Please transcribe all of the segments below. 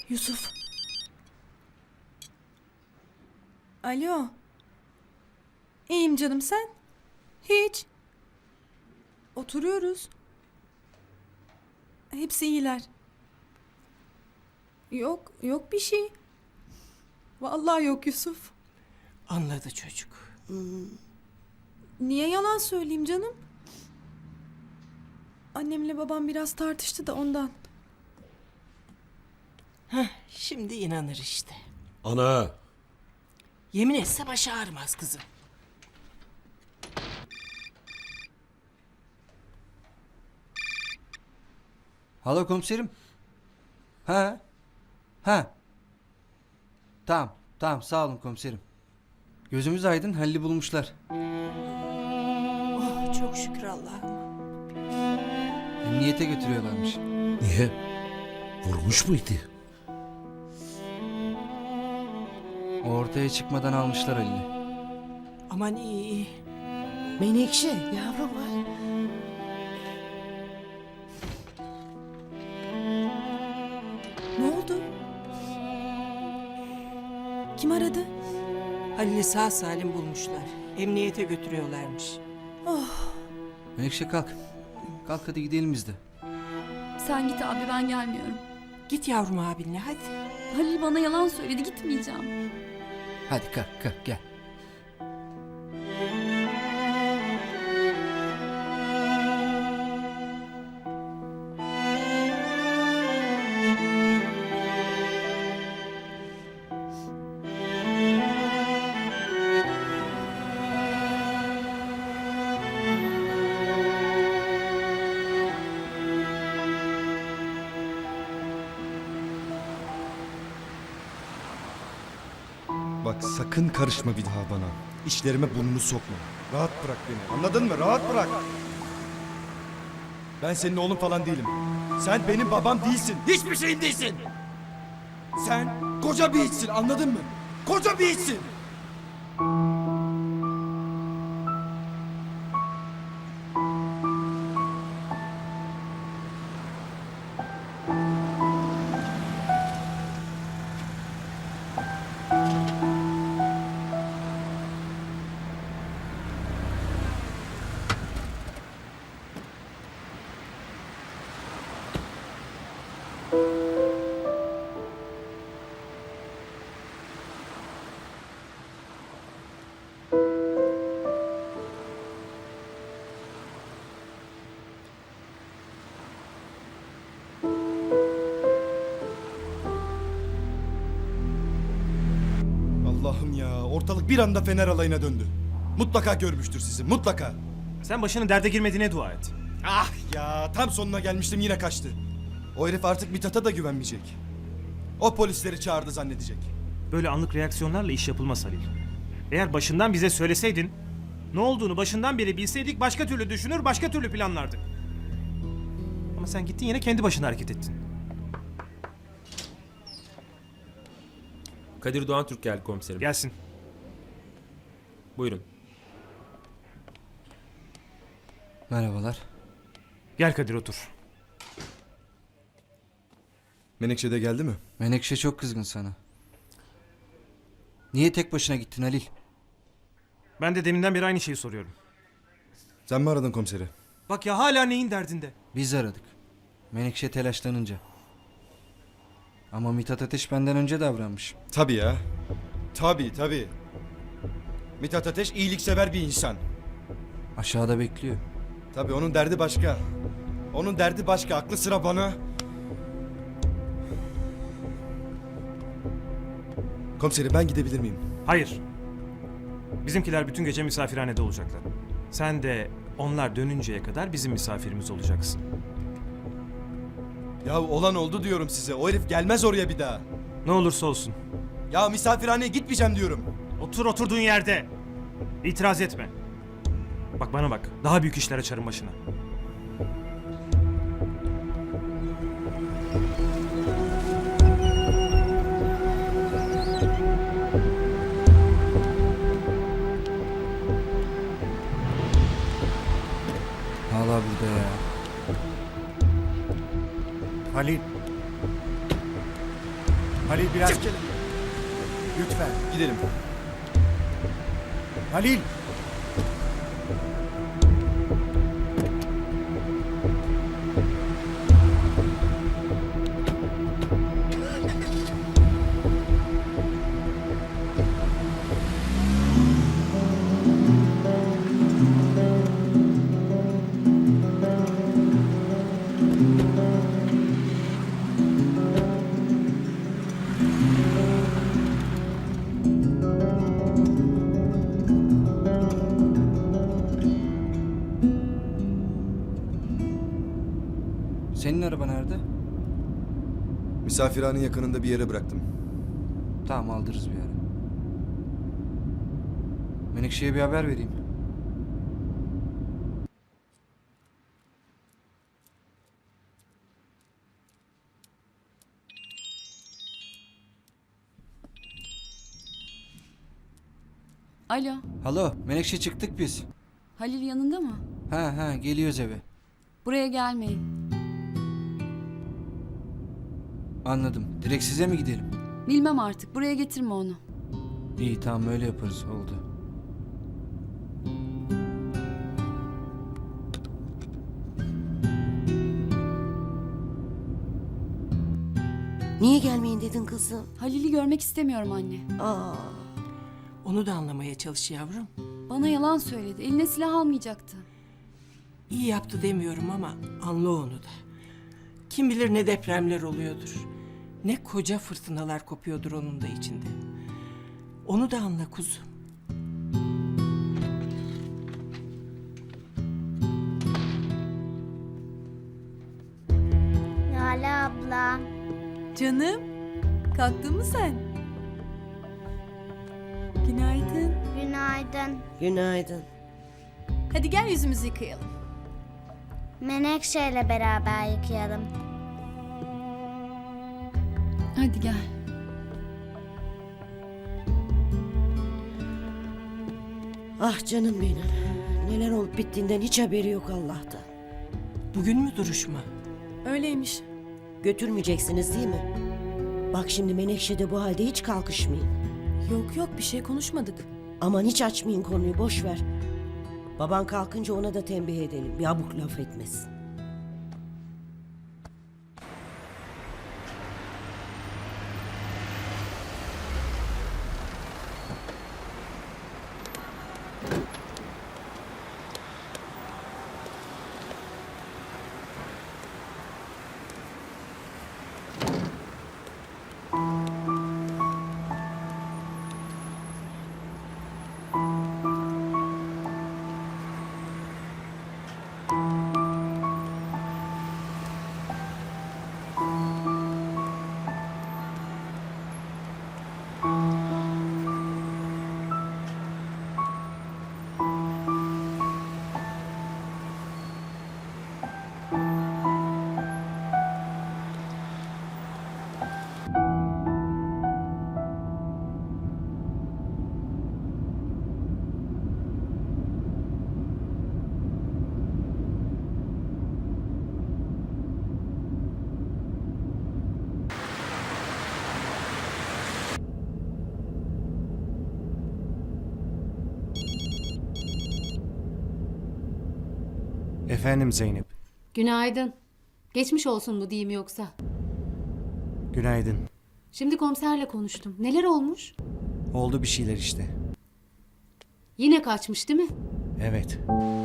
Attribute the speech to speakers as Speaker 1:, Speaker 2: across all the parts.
Speaker 1: Yusuf. Alo. İyiyim canım, sen? Hiç. Oturuyoruz. Hepsi iyiler. Yok bir şey. Vallahi yok Yusuf.
Speaker 2: Anladı çocuk.
Speaker 1: Niye yalan söyleyeyim canım? Annemle babam biraz tartıştı da ondan.
Speaker 2: Şimdi inanır işte.
Speaker 3: Ana!
Speaker 2: Yemin etse başı ağrımaz kızım.
Speaker 4: Alo komiserim. Ha? Ha? Tamam sağ olun komiserim. Gözümüz aydın, Halil'i bulmuşlar.
Speaker 2: Oh çok şükür Allah'ım.
Speaker 4: Emniyete götürüyorlarmış.
Speaker 3: Niye? Vurmuş muydu?
Speaker 4: O ortaya çıkmadan almışlar Halil'i.
Speaker 2: Aman iyi.
Speaker 5: Menekşe yavrum var.
Speaker 1: Ne oldu? Kim aradı?
Speaker 2: Halil'i sağ salim bulmuşlar. Emniyete götürüyorlarmış.
Speaker 4: Menekşe kalk. Kalk hadi gidelim biz de.
Speaker 6: Sen git abi, ben gelmiyorum.
Speaker 2: Git yavrum abinle hadi.
Speaker 6: Halil bana yalan söyledi, gitmeyeceğim.
Speaker 4: Hadi kalk gel.
Speaker 7: Bak sakın karışma bir daha bana. İşlerime burnunu sokma. Rahat bırak beni. Anladın mı? Rahat bırak. Ben senin oğlun falan değilim. Sen benim babam değilsin. Hiçbir şeyim değilsin. Sen koca bir hiçsin. Anladın mı? Koca bir hiçsin. Allah'ım ya. Ortalık bir anda Fener alayına döndü. Mutlaka görmüştür sizi. Mutlaka.
Speaker 8: Sen başının derde girmediğine dua et.
Speaker 7: Ah ya. Tam sonuna gelmiştim yine kaçtı. O herif artık Mithat'a da güvenmeyecek. O polisleri çağırdı zannedecek.
Speaker 8: Böyle anlık reaksiyonlarla iş yapılmaz Halil. Eğer başından bize söyleseydin, ne olduğunu başından beri bilseydik başka türlü düşünür, başka türlü planlardık. Ama sen gittin yine kendi başına hareket ettin.
Speaker 9: Kadir Doğan Türk geldi komiserim.
Speaker 8: Gelsin.
Speaker 9: Buyurun.
Speaker 4: Merhabalar.
Speaker 8: Gel Kadir otur.
Speaker 7: Menekşe de geldi mi?
Speaker 4: Menekşe çok kızgın sana. Niye tek başına gittin Halil?
Speaker 8: Ben de deminden beri aynı şeyi soruyorum.
Speaker 7: Sen mi aradın komiseri?
Speaker 8: Bak ya hala neyin derdinde?
Speaker 4: Biz aradık. Menekşe telaşlanınca. Ama Mithat Ateş benden önce davranmış.
Speaker 7: Tabii ya. Tabii. Mithat Ateş iyiliksever bir insan.
Speaker 4: Aşağıda bekliyor.
Speaker 7: Tabii onun derdi başka. Onun derdi başka. Aklı sıra bana. Komiserim ben gidebilir miyim?
Speaker 8: Hayır. Bizimkiler bütün gece misafirhanede olacaklar. Sen de onlar dönünceye kadar bizim misafirimiz olacaksın.
Speaker 7: Ya olan oldu diyorum size. O herif gelmez oraya bir daha.
Speaker 8: Ne olursa olsun.
Speaker 7: Ya misafirhaneye gitmeyeceğim diyorum.
Speaker 8: Otur oturduğun yerde. İtiraz etme. Bak bana bak. Daha büyük işler açarım başına.
Speaker 4: Hala burada ya.
Speaker 3: Halil.
Speaker 9: Halil biraz...
Speaker 7: Çık hele.
Speaker 9: Lütfen gidelim. Halil!
Speaker 4: Senin araba nerede?
Speaker 10: Misafirhanenin yakınında bir yere bıraktım.
Speaker 4: Tamam aldırırız bir ara. Menekşe'ye bir haber vereyim.
Speaker 6: Alo,
Speaker 4: Halo Menekşe çıktık biz.
Speaker 6: Halil yanında mı?
Speaker 4: Ha geliyoruz eve.
Speaker 6: Buraya gelmeyin.
Speaker 4: Anladım. Direkt size mi gidelim?
Speaker 6: Bilmem artık, buraya getirme onu.
Speaker 4: İyi tamam öyle yaparız oldu.
Speaker 5: Niye gelmeyin dedin kızım?
Speaker 6: Halil'i görmek istemiyorum anne.
Speaker 5: Aa,
Speaker 2: Onu da anlamaya çalış yavrum.
Speaker 6: Bana yalan söyledi, eline silah almayacaktı.
Speaker 2: İyi yaptı demiyorum ama anla onu da. Kim bilir ne depremler oluyordur. Ne koca fırtınalar kopuyordur onun da içinde. Onu da anla kuzum.
Speaker 11: Lale abla.
Speaker 1: Canım, kalktın mı sen? Günaydın.
Speaker 11: Günaydın.
Speaker 5: günaydın.
Speaker 1: Hadi gel yüzümüzü yıkayalım.
Speaker 11: Menekşe ile beraber yıkayalım.
Speaker 6: Hadi gel.
Speaker 5: Ah canım benim. Neler olup bittiğinden hiç haberi yok Allah'tan.
Speaker 2: Bugün mü duruşma?
Speaker 1: Öyleymiş.
Speaker 5: Götürmeyeceksiniz değil mi? Bak şimdi Menekşe de bu halde hiç kalkışmayın.
Speaker 1: Yok bir şey konuşmadık.
Speaker 5: Aman hiç açmayın konuyu boş ver. Baban kalkınca ona da tembih edelim. Bir abuk laf etmesin.
Speaker 9: Efendim Zeynep.
Speaker 12: Günaydın. Geçmiş olsun mu diyeyim yoksa?
Speaker 9: Günaydın.
Speaker 12: Şimdi komiserle konuştum. Neler olmuş?
Speaker 9: Oldu bir şeyler işte.
Speaker 12: Yine kaçmış değil mi?
Speaker 9: Evet.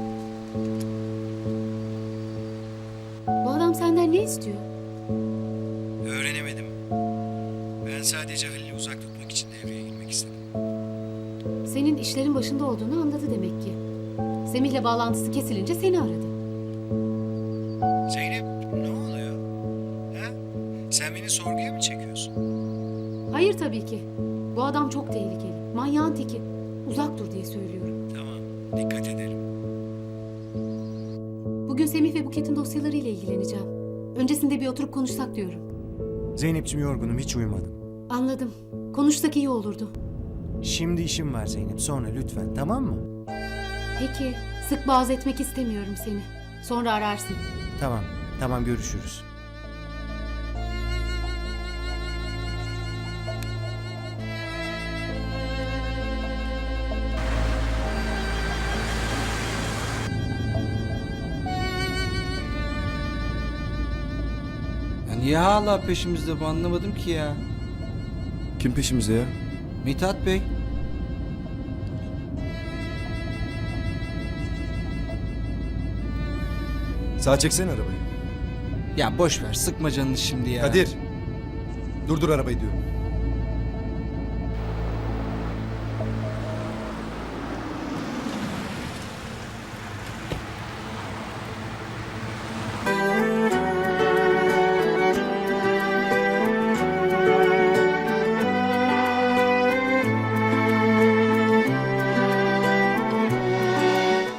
Speaker 12: Bu adam senden ne istiyor?
Speaker 9: Öğrenemedim. Ben sadece Halil'i uzak tutmak için devreye girmek istedim.
Speaker 12: Senin işlerin başında olduğunu anladı demek ki. Semih'le bağlantısı kesilince seni aradı.
Speaker 9: Zeynep ne oluyor? Ha? Sen beni sorguya mı çekiyorsun?
Speaker 12: Hayır tabii ki. Bu adam çok tehlikeli. Manyağın teki. Uzak dur diye söylüyorum.
Speaker 9: Tamam. Dikkat ederim.
Speaker 12: Bugün Semih ve Buket'in dosyalarıyla ilgileneceğim. Öncesinde bir oturup konuşsak diyorum.
Speaker 9: Zeynep'ciğim yorgunum hiç uyumadım.
Speaker 12: Anladım. Konuşsak iyi olurdu.
Speaker 9: Şimdi işim var Zeynep. Sonra lütfen tamam mı?
Speaker 12: Peki. Sık boğaz etmek istemiyorum seni. Sonra ararsın.
Speaker 9: Tamam. Tamam görüşürüz.
Speaker 4: Niye hala peşimizde bu anlamadım ki ya.
Speaker 7: Kim peşimizde ya?
Speaker 4: Mithat Bey.
Speaker 7: Sağa çeksene arabayı.
Speaker 4: Ya boş ver sıkma canını şimdi ya.
Speaker 7: Kadir. Durdur arabayı diyorum.